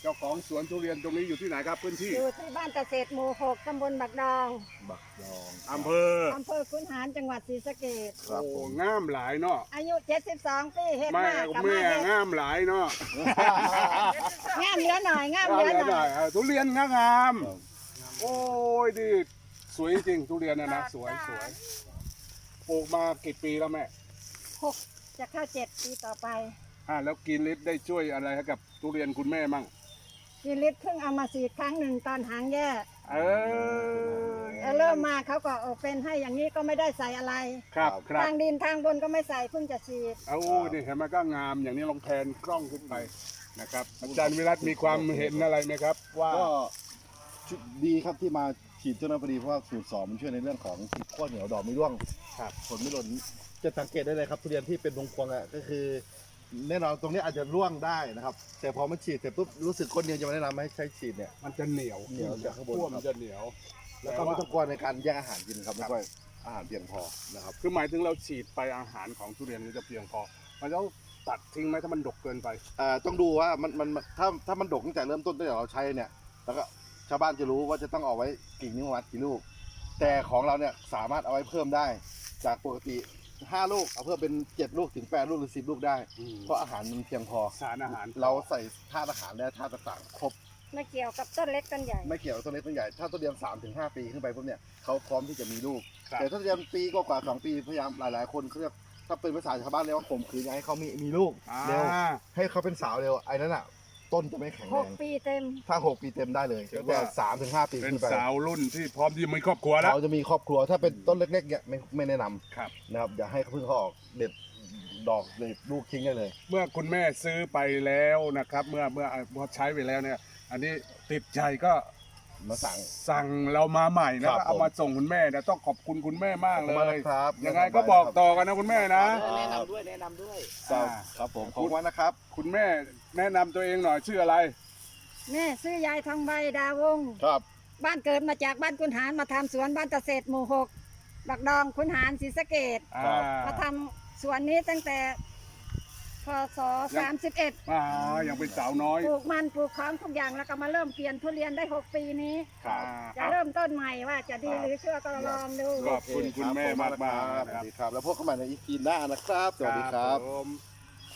เจ้าของสวนทุเรียนตรงนี้อยู่ที่ไหนครับพื้นที่อยู่ที่บ้านเกษตรหมู่ 6 ตำบลบักดองบักดองอำเภอขุนหารจังหวัดศรีสะเกษครับโอ้ผมงามหลายเนาะอายุ 72 ปีเฮ็ดแม่มากกับแม่มาเฮ็ดงามหลายเนาะงามเหลือหน่อยงามเหลือหน่อยทุเรียนงามโอ้ยดีสวยจริงทุเรียนนะสวยปลูกมากี่ปีแล้วแม่ 6 จะเข้า 7 ปีต่อไปแล้วกินฤทธิ์ได้ช่วยอะไรให้กับทุเรียนคุณแม่มั่งกินลิตรเพิ่งเอามาฉีดครั้งหนึ่งตอนหางแย่อเริ่มมาเขาก็เป็นให้อย่างนี้ก็ไม่ได้ใส่อะไรครับทางดินทางบนก็ไม่ใส่เพิ่งจะฉีดเอานี่เห็นไหมก็งามอย่างนี้ลองแพนกล้องขึ้นไปนะครับอาจารย์วิรัตมีความเห็นอะไรไหมครับ ว่าก็ดีครับที่มาฉีดเจ้าหน้าพอดีเพราะว่าสูตร2มันช่วยในเรื่องของติดข้อเหนียวดอกไม่ร่วงครับผลไม่หล่นจะสังเกตได้เลยครับทุเรียนที่เป็นพวงๆอ่ะก็คือแน่นอนตรงนี้อาจจะร่วงได้นะครับแต่พอมันฉีดเสร็จปุ๊บรู้สึกคนเดียวจะมาแนะนำให้ใช้ฉีดเนี่ยมันจะเหนียวเหนียวจากข้างบนขั้วมันจะเหนียวแล้วก็ไม่ต้องกลัวในการแย่งอาหารกินครับไม่ค่อยอาหารเพียงพอนะครับคือหมายถึงเราฉีดไปอาหารของทุเรียนมันจะเพียงพอมันต้องตัดทิ้งไหมถ้ามันดกเกินไปต้องดูว่ามันถ้ามันดกตั้งแต่เริ่มต้นตั้งแต่เราใช้เนี่ยแล้วก็ชาวบ้านจะรู้ว่าจะต้องเอาไว้กี่นิ้ววัดกี่ลูก แต่ของเราเนี่ยสามารถเอาไว้เพิ่มได้ จากปกติ5 ลูกเอาเพิ่มเป็น7 ลูกถึง8 ลูกหรือ10 ลูกได้ เพราะอาหารมันเพียงพอสารอาหารเราใส่ธาตุอาหารและธาตุต่างๆครบไม่เกี่ยวกับต้นเล็กต้นใหญ่ไม่เกี่ยวกับต้นเล็กต้นใหญ่ถ้าต้นเรียน3 ถึง 5 ปีขึ้นไปพวกเนี่ยเขาพร้อมที่จะมีลูกครับแต่ถ้าเรียนปีกว่าๆ2 ปีพยายามหลายๆคนเขาเรียกถ้าเป็นภาษาชาวบ้านเรียกว่าข่มขืนอยากให้เขามีลูกเร็วให้เขาเป็นสาวเร็วไอ้นั้นอ่ะต้นจะไม่แข็งแรง 6 ปีเต็มถ้า6 ปีเต็มได้เลยแต่3 ถึง 5 ปีเป็นขึ้นไปสาวรุ่นที่พร้อมที่มีครอบครัวแล้วเขาจะมีครอบครัวถ้าเป็นต้นเล็กๆเนี่ยไม่แนะนครับำนะครับอย่าให้เขาเพิ่งเขาออกเด็ดดอกเด็ดลูกทิ้งได้เลยเมื่อคุณแม่ซื้อไปแล้วนะครับ เมื่อใช้ไปแล้วเนี่ย อันนี้ติดใจก็มาสั่งสั่งเรามาใหม่นะครับก็เอามาส่งคุณแม่นะต้องขอบคุณคุณแม่มากเลขอบคุณมากยนะครับยังไงก็บอกต่อกันนะคุณแม่นะแนะนำด้วยแนะนำด้วยครับผมขอบคุณนะครับคุณแม่แนะนำตัวเองหน่อยชื่ออะไรแม่ซื้อยายทองใบดาวงศ์ครับบ้านเกิดมาจากบ้านขุนหารมาทำสวนบ้านเกษตรหมู่ 6 บักดองขุนหารศรีสะเกษครับมาทำสวนนี้ตั้งแต่พศ 31 ยังเป็นสาวน้อยปลูกมันปลูกของทุกอย่างแล้วก็มาเริ่มเปลี่ยนทุเรียนได้ 6 ปีนี้ครับจะเริ่มต้นใหม่ว่าจะดีหรือชั่วก็ลองดูขอบคุณคุณแม่มากๆสวัสดีครับ แล้วพบกันใหม่ในอีพีหน้านะครับ สวัสดีครับผม